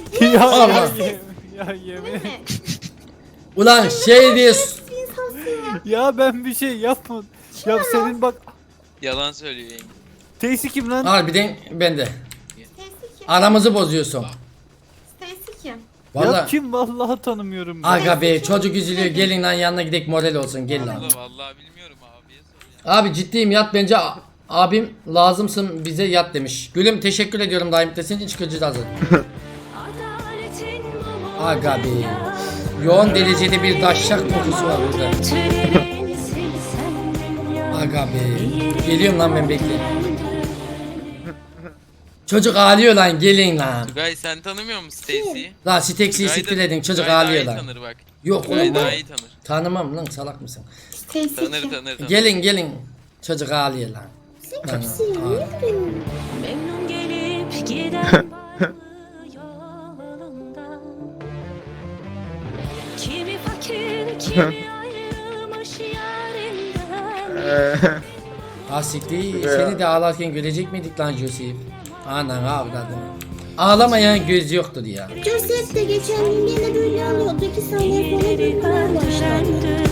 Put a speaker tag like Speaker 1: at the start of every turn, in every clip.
Speaker 1: Ya
Speaker 2: Allah.
Speaker 1: ya yemin.
Speaker 2: Ulan şey diye
Speaker 1: Ya ben bir şey yapmadım. Ya senin bak
Speaker 3: Yalan söylüyor yenge.
Speaker 1: Stacy kim lan?
Speaker 2: harbiden bende.
Speaker 4: Stacy kim?
Speaker 2: Aramızı bozuyorsun.
Speaker 4: Stacy kim?
Speaker 1: Ya
Speaker 2: Valla.
Speaker 1: kim vallahi tanımıyorum ben.
Speaker 2: Aga be çocuk üzülüyor, gelin lan yanına gidek moral olsun, gel lan.
Speaker 3: Vallahi bilmiyorum abiye sor ya.
Speaker 2: Abi ciddiyim, yat bence, abim lazımsın bize, yat demiş. Gülüm teşekkür ediyorum, daim desin, iç gücü de hazır. Aga be. Yoğun derecede bir daşşak kokusu var burada. Aga be. Geliyorum lan ben, bekle. Çocuk ağlıyor lan, gelin lan.
Speaker 3: Tugay sen tanımıyor musun Stacy'yi?
Speaker 2: Lan Stexy'yi siktir edin, çocuk ağlıyor lan.
Speaker 3: Tanır bak.
Speaker 2: Yok
Speaker 3: Tugay
Speaker 2: oğlum,
Speaker 3: daha iyi tanır.
Speaker 2: tanımam lan, salak mısın?
Speaker 4: Stacy
Speaker 3: Tanır
Speaker 4: kim?
Speaker 3: tanır tanır.
Speaker 2: Gelin çocuk ağlıyor lan. Lan,
Speaker 5: Memnun gelip giden yolunda. Kimi fakir, kimi ayrılmış yarinden.
Speaker 2: ha siktir, seni de ağlarken görecek miydik lan Joseph? Anan avladım. Ağlamayan göz yoktur ya.
Speaker 6: Joseph de geçen gün yine böyle alıyordu. 2 saniye sonra dönmeye başladı.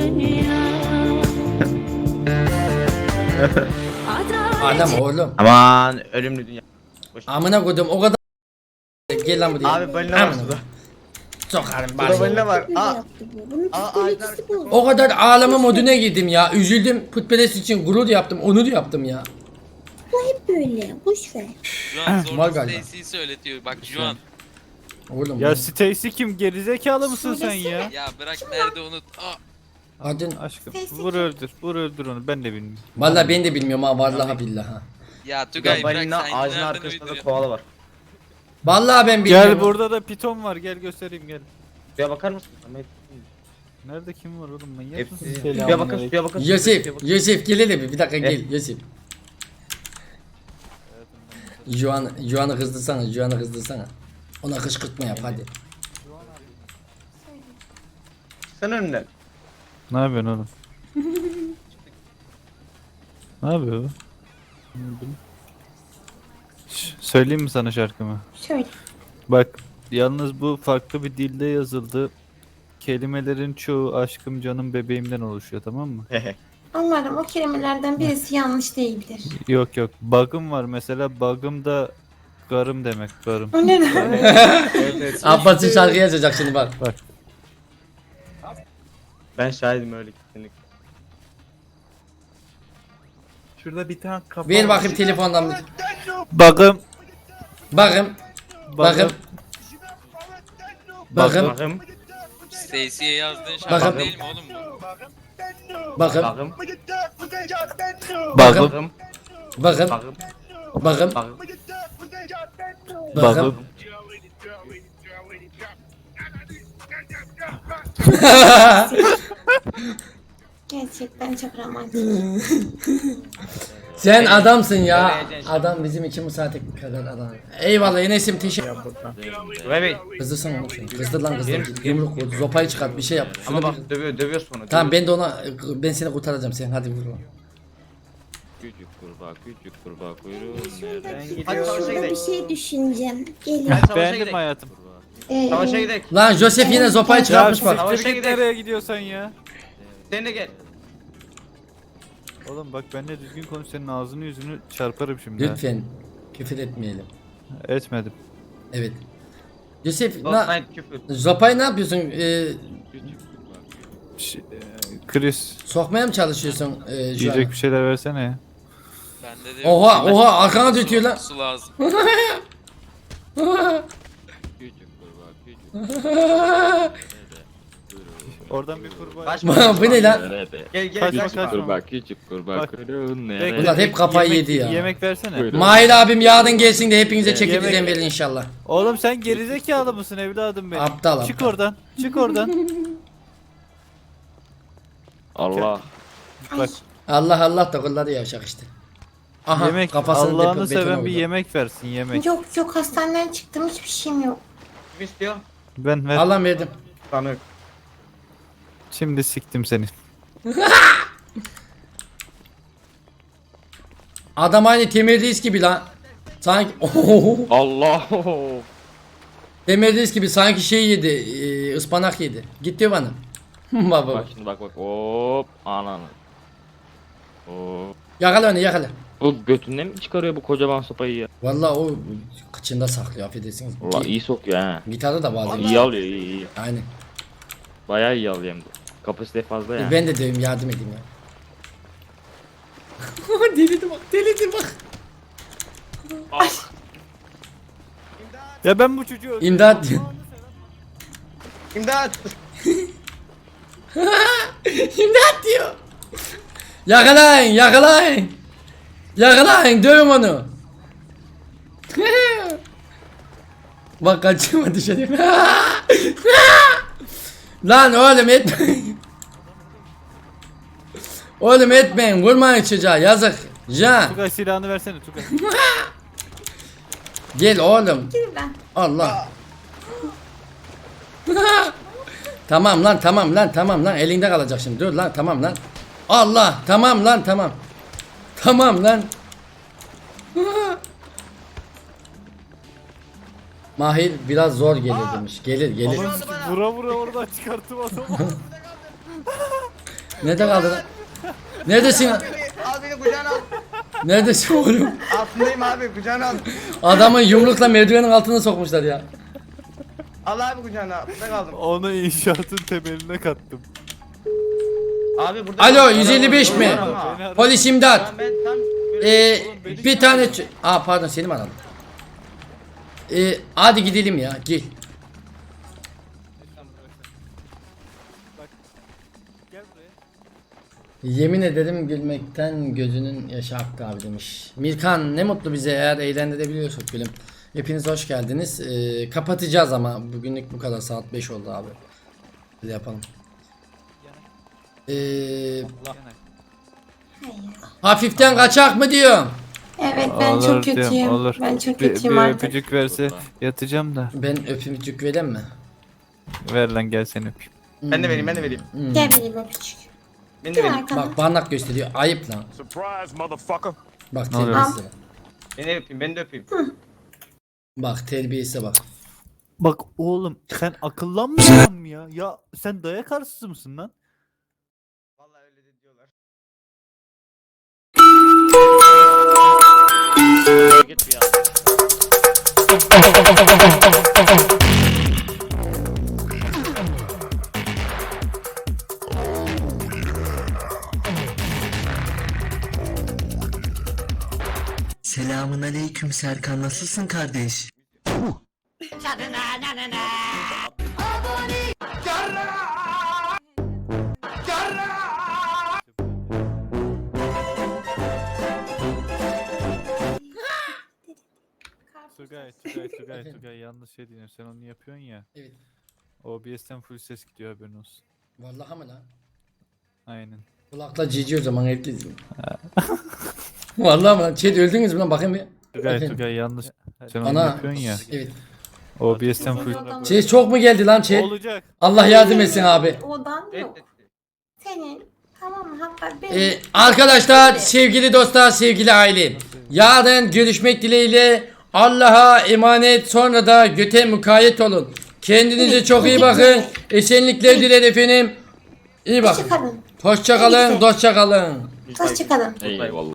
Speaker 2: Adam oğlum.
Speaker 7: Aman ölümlü dünya.
Speaker 2: Amına koydum o kadar. Gel lan buraya.
Speaker 7: Abi balina var
Speaker 2: Amına.
Speaker 7: suda.
Speaker 2: Sokarım
Speaker 7: Suda
Speaker 2: bari.
Speaker 7: balina var.
Speaker 6: Böyle
Speaker 7: Aa.
Speaker 6: yaptı bu. Bunun
Speaker 7: Aa,
Speaker 6: psikolojisi bozuldu.
Speaker 2: O kadar ağlama moduna girdim ya. Üzüldüm. Putperest için gurur yaptım. Onur yaptım ya.
Speaker 6: Bu hep böyle. Boş ver.
Speaker 3: Şu an
Speaker 2: Var
Speaker 3: zorla
Speaker 2: galiba.
Speaker 3: Stacy'yi söyletiyor. Bak şu an.
Speaker 2: Oğlum.
Speaker 1: Ya Stacy kim? Gerizekalı mısın sen ya?
Speaker 3: Ya bırak nerede unut. Aa.
Speaker 2: Adın.
Speaker 1: Aşkım
Speaker 4: Stacy
Speaker 1: vur
Speaker 4: kim?
Speaker 1: öldür. Vur öldür onu. Ben de bilmiyorum.
Speaker 2: Vallahi ben de bilmiyorum ha. Vallahi billahi ha.
Speaker 3: Ya
Speaker 7: Suda
Speaker 3: Tugay bırak
Speaker 7: balina
Speaker 3: sen
Speaker 7: ağacın
Speaker 3: nereden
Speaker 7: arkasında da
Speaker 3: uyduruyorsun?
Speaker 7: koala var.
Speaker 2: Vallahi ben bilmiyorum.
Speaker 1: Gel burada da piton var. Gel göstereyim gel.
Speaker 7: Suya bakar mısın? Ama
Speaker 1: Nerede kim var oğlum manyak
Speaker 7: hepsi.
Speaker 1: mısın?
Speaker 7: Suya bakın suya bakın.
Speaker 2: Yosef.
Speaker 7: Suya bakın.
Speaker 2: Yosef gel hele bir dakika gel. Yosef. Juan'ı kızdırsana. Juan'ı kızdırsana. Ona kışkırtma yap hadi.
Speaker 7: Sen önümden.
Speaker 1: Ne yapıyorsun oğlum? Ne yapıyor bu? Söyleyeyim mi sana şarkımı?
Speaker 4: Şöyle.
Speaker 1: Bak yalnız bu farklı bir dilde yazıldı. Kelimelerin çoğu aşkım canım bebeğimden oluşuyor, tamam mı?
Speaker 4: Umarım o kelimelerden birisi yanlış değildir.
Speaker 1: Yok yok. Bug'ım var mesela, bug'ım da garım demek, garım.
Speaker 4: O ne demek?
Speaker 7: Evet.
Speaker 2: Abbas'ın şarkı yazacak şimdi bak.
Speaker 1: Bak.
Speaker 7: Ben şahidim öyle kesinlikle.
Speaker 1: Şurada bir tane kafa
Speaker 2: Ver bakayım telefondan bir.
Speaker 1: Bug'ım.
Speaker 2: Bakın. Bakın. Bakın.
Speaker 7: Bakım.
Speaker 3: Stacy'ye yazdığın
Speaker 2: Bakın.
Speaker 3: şarkı değil mi oğlum bu?
Speaker 2: Bakın.
Speaker 7: Bakım.
Speaker 1: Bug'ım.
Speaker 2: Bakın.
Speaker 7: Bakım.
Speaker 2: Bakın.
Speaker 7: Bakım.
Speaker 2: Bakın.
Speaker 1: Bug'ım.
Speaker 4: Gerçekten çok romantik.
Speaker 2: Sen adamsın ya. Adam bizim için bu saate kadar adam. Eyvallah Enes'im, teşekkür.
Speaker 7: Bey.
Speaker 2: Kızdırsana onu şunu. Kızdır lan kızdır. Yumruk vur. Zopayı çıkart, bir şey yap. Şunu
Speaker 7: Ama
Speaker 2: bir-
Speaker 7: bak dövüyor sonra.
Speaker 2: Tamam ben de ona, ben seni kurtaracağım, sen hadi vur lan.
Speaker 8: Küçük kurbağa kuyruğun nerede?
Speaker 7: Hadi savaşa
Speaker 6: Şurada bir
Speaker 7: gidelim.
Speaker 6: şey düşüneceğim. Gelin.
Speaker 7: Hadi savaşa
Speaker 1: Beğendim
Speaker 7: gidelim.
Speaker 1: hayatım.
Speaker 7: Savaşa gidelim.
Speaker 2: Lan Joseph yine zopayı
Speaker 1: Ya
Speaker 2: çıkartmış bak.
Speaker 7: Savaşa
Speaker 1: siktir git
Speaker 7: gidelim.
Speaker 1: nereye gidiyorsan ya.
Speaker 7: Sen de gel.
Speaker 1: Oğlum bak benimle düzgün konuş, senin ağzını yüzünü çarparım şimdi. ha.
Speaker 2: Lütfen küfür etmeyelim.
Speaker 1: Etmedim.
Speaker 2: Evet. Joseph
Speaker 7: Last night küfür.
Speaker 2: zopayı ne yapıyorsun?
Speaker 1: Chris
Speaker 2: Sokmaya mı çalışıyorsun şu
Speaker 1: yiyecek
Speaker 2: an?
Speaker 1: bir şeyler versene ya.
Speaker 3: Bende de
Speaker 2: Oha
Speaker 3: yok.
Speaker 2: oha arkana döküyor lan.
Speaker 3: Su lazım.
Speaker 8: Küçük kurbağa küçük.
Speaker 1: Oradan bir kurbağa.
Speaker 7: Kaçma.
Speaker 2: Bu ne lan?
Speaker 8: Nerede?
Speaker 7: Gel gel
Speaker 1: Kaçma,
Speaker 7: kaçma.
Speaker 1: kaçma.
Speaker 8: Küçük kurbağa
Speaker 1: Bak.
Speaker 8: kuyruğun
Speaker 1: Bekle,
Speaker 8: nerede?
Speaker 2: Ulan hep kafayı
Speaker 1: yemek-
Speaker 2: yedi ya.
Speaker 1: Yemek versene.
Speaker 8: Buyurun.
Speaker 2: Mahir abim yarın gelsin de hepinize çeki
Speaker 1: Yemek-
Speaker 2: düzen verin inşallah.
Speaker 1: Oğlum sen gerizekalı mısın evladım benim?
Speaker 2: Aptal,
Speaker 1: Çık
Speaker 2: aptal.
Speaker 1: oradan. Çık oradan.
Speaker 8: Allah.
Speaker 1: Bak
Speaker 2: Allah Allah da kulları yavşak işte. Aha
Speaker 1: yemek,
Speaker 2: kafasını
Speaker 1: Allah'ını
Speaker 2: beton
Speaker 1: seven bir
Speaker 2: oldu.
Speaker 1: yemek versin, yemek.
Speaker 4: Yok yok, hastaneden çıktım, hiçbir şeyim yok.
Speaker 7: Kim istiyor?
Speaker 1: Ben ver.
Speaker 2: Allah verdim.
Speaker 7: Tanık.
Speaker 1: Şimdi siktim seni.
Speaker 2: Adam aynı Temel Reis gibi lan. Sanki
Speaker 8: Allah.
Speaker 2: Demediniz gibi sanki şey yedi, ıspanak yedi. Git diyor bana. Baba.
Speaker 8: Bak şimdi bak hop ananı. Hop.
Speaker 2: Yakala onu yakala.
Speaker 8: Bu götünden mi çıkarıyor bu kocaman sopayı ya?
Speaker 2: Vallahi o kıçında saklıyor affedersiniz.
Speaker 8: Valla iyi sokuyor ha.
Speaker 2: Gitarda da bağlı.
Speaker 8: İyi alıyor iyi.
Speaker 2: Aynen.
Speaker 8: Bayağı iyi alıyor hem de. Kapasite fazla yani.
Speaker 2: Ben de döveyim yardım edeyim ya. delirdi bak delirdi bak.
Speaker 1: Ya ben bu çocuğu
Speaker 2: İmdat diyor.
Speaker 7: İmdat.
Speaker 2: İmdat diyor. Yakalayın yakalayın. Yakalayın dövün onu. Bak kaçırma dışarı. Lan oğlum etmeyin. Oğlum etmeyin vurmayın çocuğa yazık. Can
Speaker 1: Tugay silahını versene Tugay.
Speaker 2: gel oğlum.
Speaker 4: Gel ben.
Speaker 2: Allah. Tamam lan tamam lan tamam lan elinde kalacak şimdi dur lan tamam lan. Allah tamam lan tamam. Tamam lan. Mahir biraz zor gelir demiş. Gelir gelir.
Speaker 1: Vura vura oradan çıkarttım adamı.
Speaker 2: Nerede kaldı lan? Neredesin?
Speaker 7: Al beni kucağına al.
Speaker 2: Neredesin oğlum?
Speaker 7: Altındayım abi kucağına al.
Speaker 2: Adamı yumrukla merdivenin altına sokmuşlar ya.
Speaker 7: Al abi kucağına. Burada kaldım.
Speaker 1: Onu inşaatın temeline kattım.
Speaker 7: Abi burada.
Speaker 2: Alo,
Speaker 7: kaldım.
Speaker 2: 155 mi?
Speaker 7: Ama.
Speaker 2: Polis imdat.
Speaker 7: Tamam, ben tam.
Speaker 2: Bir tane pardon seni mi aradım? Hadi gidelim ya gel.
Speaker 1: Gel buraya.
Speaker 2: Yemin ederim gülmekten gözünün yaşı aktı abi demiş. Mirkan ne mutlu bize eğer eğlendirebiliyorsak gülüm. Hepiniz hoş geldiniz. Kapatacağız ama bugünlük bu kadar saat 5 oldu abi. Böyle yapalım. Hafiften kaçak mı diyor?
Speaker 4: Evet ben
Speaker 1: Olur
Speaker 4: çok
Speaker 1: diyorum,
Speaker 4: kötüyüm.
Speaker 1: olur.
Speaker 4: Ben çok
Speaker 1: Bir
Speaker 4: kötüyüm artık.
Speaker 1: öpücük verse yatacağım da.
Speaker 2: Ben öpümcük vereyim mi?
Speaker 1: Ver lan gel seni öpeyim.
Speaker 7: Ben de vereyim ben de vereyim.
Speaker 4: Gel benim öpücük.
Speaker 7: Ben de
Speaker 4: Gel
Speaker 7: vereyim.
Speaker 4: arkadan.
Speaker 2: Bak parmak gösteriyor ayıp lan.
Speaker 9: Surprise, motherfucker.
Speaker 2: Bak
Speaker 1: Ne oluyor?
Speaker 2: terbiyesize bak.
Speaker 7: Ben de öpeyim ben de öpeyim.
Speaker 2: Bak terbiyesize bak.
Speaker 1: Bak oğlum sen akıllanmıyor musun ya? Ya sen dayak arsızı mısın lan?
Speaker 7: Vallahi öyle de diyorlar.
Speaker 8: Git bir ya.
Speaker 10: Selamun aleyküm Serkan, nasılsın kardeş?
Speaker 1: Tugay yanlış şey diyorsun. Sen onu yapıyorsun ya.
Speaker 2: Evet.
Speaker 1: OBS'ten full ses gidiyor haberin olsun.
Speaker 2: Vallahi mı lan?
Speaker 1: Aynen.
Speaker 2: Kulakla cici o zaman herkes. Vallahi mı lan? Chat öldünüz mü lan bakayım bir.
Speaker 1: Tugay yanlış. Sen onu
Speaker 2: Ana.
Speaker 1: yapıyorsun ya.
Speaker 2: Evet.
Speaker 1: OBS'ten full.
Speaker 2: Chat çok mu geldi lan chat?
Speaker 1: Olacak.
Speaker 2: Allah yardım etsin abi.
Speaker 4: Odan yok.
Speaker 7: Evet.
Speaker 4: Senin. Tamam mı? Hatta benim.
Speaker 2: Arkadaşlar, sevgili dostlar, sevgili aile. Yarın görüşmek dileğiyle. Allah'a emanet, sonra da göte mukayyet olun. Kendinize çok iyi bakın. Esenlikler dilerim efendim. İyi bakın.
Speaker 4: Hoşçakalın.
Speaker 2: Hoşça kalın, dostça kalın.
Speaker 4: Hoşçakalın.
Speaker 8: Eyvallah.